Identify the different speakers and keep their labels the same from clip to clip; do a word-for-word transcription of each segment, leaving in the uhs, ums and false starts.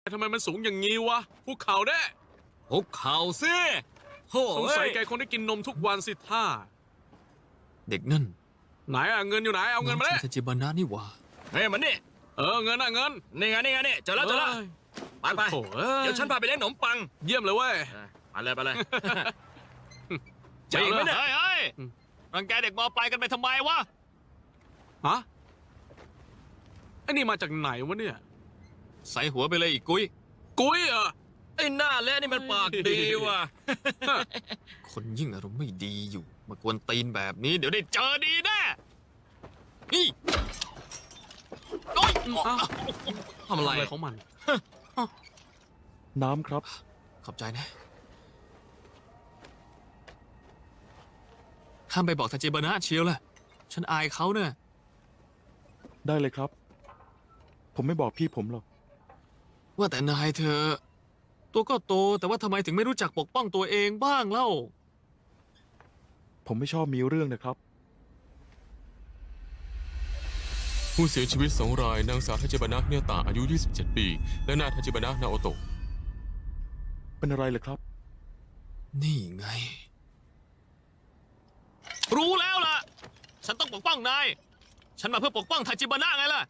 Speaker 1: ทำไมมันสูงอย่างงี้วะภูเขาแน่
Speaker 2: คุกเข่าสิโอ้
Speaker 1: สงสัย
Speaker 2: ย
Speaker 1: แกคงได้กินนมทุกวันสิท่า
Speaker 2: เด็กนั่น
Speaker 1: ไหนอะเงินอยู่ไหนเอาเงินมา
Speaker 2: น้
Speaker 1: เลย
Speaker 2: ทาจิบานะนี่หว่า
Speaker 3: เฮ้ยมันนี่
Speaker 1: เออเงินอะเงิน
Speaker 3: นี่ไงนี่ไงนี่เจอแล้วเจอแล้ว
Speaker 1: อ้ย
Speaker 3: ไปไป
Speaker 1: โถ่อ้
Speaker 3: เดี๋ยวฉันพาไปเลี้ยงขนมปัง
Speaker 1: เยี่ยมเลยเว้ย
Speaker 3: ไปเลยไปเลย
Speaker 1: เจ๋ง
Speaker 3: ไปอีกไหม
Speaker 1: เลย
Speaker 3: เนี่ย
Speaker 2: เฮ้ยเฮ้ย
Speaker 1: อืม
Speaker 2: รังแกเด็กมปลายกันไปทำไมวะ
Speaker 1: ฮะไอ้นี่มาจากไหนวะเนี่ย
Speaker 2: ใส่หัวไปเลยอีกกุ้ย
Speaker 1: กุ้ยเหรอ
Speaker 3: ไอ้หน้าเละนี่มันปากดีว่ะ
Speaker 2: คนยิ่งอารมณ์ไม่ดีอยู่ มากวนตีนแบบนี้เดี๋ยวได้เจอดีแน่นี่โอ๊ย
Speaker 1: อ้าว
Speaker 2: ทำอะไร
Speaker 1: อะไรของมัน
Speaker 4: น้ำครับ
Speaker 2: ขอบใจนะห้ามไปบอกทาจิบานะเชียวล่ะ ฉันอายเขาเนี่ย
Speaker 4: ได้เลยครับ ผมไม่บอกพี่ผมหรอก
Speaker 2: ว่าแต่นายเธอ ตัวก็โตแต่ว่าทำไมถึงไม่รู้จักปกป้องตัวเองบ้างเล่า
Speaker 4: ผมไม่ชอบมีเรื่องนะครับ
Speaker 5: ผู้เสียชีวิตสองรายนางสาวทาจิบานะเนตาอายุ ยี่สิบเจ็ด ปี และนายทาจิบานะนาโอโตะ
Speaker 4: เป็นอะไรเหรอครับ
Speaker 2: นี่ไง รู้แล้วล่ะ ฉันต้องปกป้องนาย ฉันมาเพื่อปกป้องทาจิบานะไงล่ะ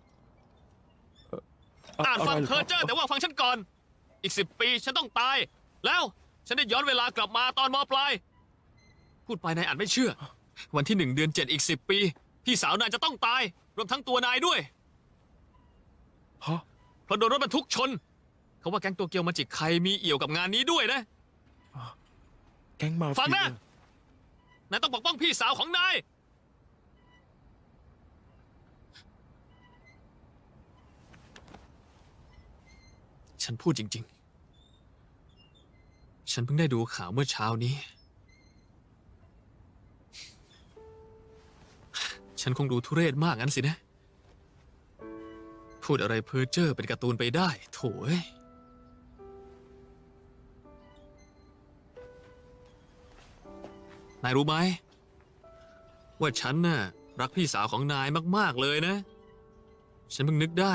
Speaker 2: อ่านฟัง
Speaker 4: อะไรเหรอ
Speaker 2: เพอร์เจอร์แต่ว่าฟังฉันก่อน อีกสิบปีฉันต้องตาย แล้วฉันได้ย้อนเวลากลับมาตอนมปลาย พูดไปนายอาจไม่เชื่อ วันที่หนึ่งเดือนเจ็ดอีกสิบปี พี่สาวนายจะต้องตาย รวมทั้งตัวนายด้วย
Speaker 4: ฮะ
Speaker 2: เพราะโดนรถบรรทุกชน เขาว่าแก๊งโตเกียวมาจิกใครมีเอี่ยวกับงานนี้ด้วยนะ
Speaker 4: แก๊งมา
Speaker 2: ฟัง
Speaker 4: เฟีย
Speaker 2: นะ นายต้องปกป้องพี่สาวของนาย ฉันพูดจริงๆ ฉันเพิ่งได้ดูข่าวเมื่อเช้านี้ ฉันคงดูทุเรศมากงั้นสินะ พูดอะไรเพ้อเจ้อเป็นการ์ตูนไปได้ โถ่เอ้ย นายรู้ไหม ว่าฉันน่ะรักพี่สาวของนายมากๆเลยนะ ฉันเพิ่งนึกได้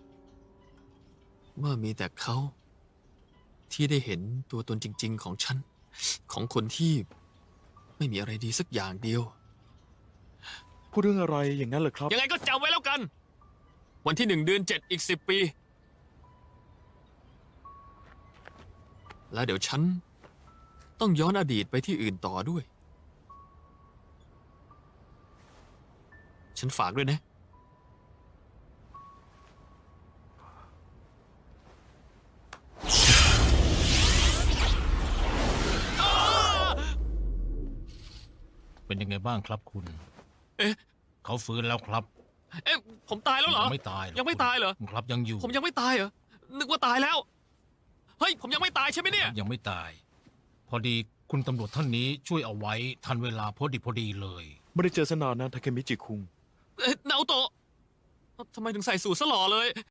Speaker 2: ว่ามีแต่เขา ที่ได้เห็นตัวตนจริง ๆ ของฉัน ของคนที่ไม่มีอะไรดีสักอย่างเดียว
Speaker 4: พูดเรื่องอะไรอย่างนั้นเหรอครับ
Speaker 2: ยังไงก็จำไว้แล้วกัน วันที่หนึ่งเดือนเจ็ดอีกสิบปี แล้วเดี๋ยวฉัน ต้องย้อนอดีตไปที่อื่นต่อด้วย ฉันฝากด้วยนะ
Speaker 6: เป็นยังไงบ้างครับคุณ
Speaker 2: เอ๊ะ
Speaker 6: เขาฟื้นแล้วครับ
Speaker 2: เอ๊ะ ผมตายแล้วเหรอ
Speaker 6: ยังไม่ตายรอก
Speaker 2: ยังไม่ตายเหรอ
Speaker 6: คุณครับยังอยู่
Speaker 2: ผมยังไม่ตายเหรอ นึกว่าตายแล้ว เฮ้ย ผมยังไม่ตายใช่ไหมเนี่ย
Speaker 6: ยังไม่ตาย พอดีคุณตำรวจท่านนี้ช่วยเอาไว้ทันเวลาพอดีพอดีเลย
Speaker 4: ไม่ได้เจอสนานนะทาเคมิจิคุง
Speaker 2: เอ๊ะนาโอโตะทำไมถึงใส่สูทซะหล่อเลย